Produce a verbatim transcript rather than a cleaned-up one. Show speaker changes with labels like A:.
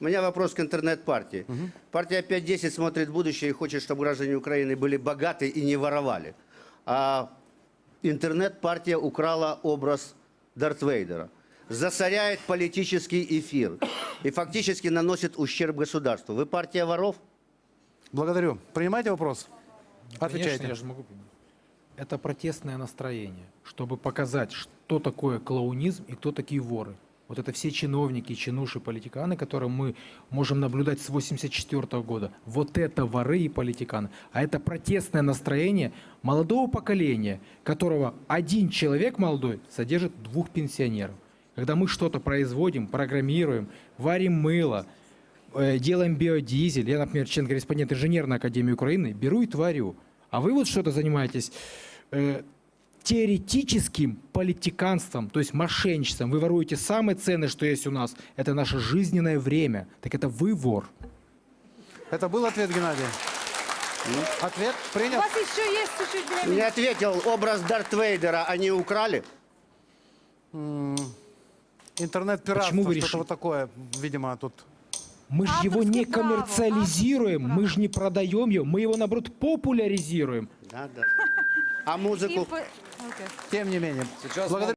A: У меня вопрос к интернет-партии. Угу. Партия пять десять смотрит в будущее и хочет, чтобы граждане Украины были богаты и не воровали. А интернет-партия украла образ Дарта Вейдера, засоряет политический эфир и фактически наносит ущерб государству. Вы партия воров?
B: Благодарю. Принимаете вопрос? Отвечайте.
C: Конечно, я же могу принять. Это протестное настроение, чтобы показать, что такое клоунизм и кто такие воры. Вот это все чиновники, чинуши, политиканы, которые мы можем наблюдать с восемьдесят четвёртого года. Вот это воры и политиканы. А это протестное настроение молодого поколения, которого один человек молодой содержит двух пенсионеров. Когда мы что-то производим, программируем, варим мыло, э, делаем биодизель, я, например, член-корреспондент Инженерной академии Украины, беру и творю. А вы вот что-то занимаетесь э, теоретическим политиканством, то есть мошенничеством. Вы воруете самое ценное, что есть у нас. Это наше жизненное время. Так это вы вор.
B: Это был ответ, Геннадий? Ответ
D: У
B: принят.
D: вас еще есть чуть-чуть времени.
A: Не ответил, образ Дарта Вейдера они украли?
B: Интернет-пиратство,
C: Почему вы
B: что-то
C: решили?
B: вот такое, видимо, тут.
C: Мы же его не
D: Авторское право,
C: коммерциализируем,
D: авторское
C: мы же не продаем его, мы его, наоборот, популяризируем.
A: Да, да. А музыку?
D: Инфо- Окей.
B: Тем не менее.
E: Сейчас
B: Благодарю.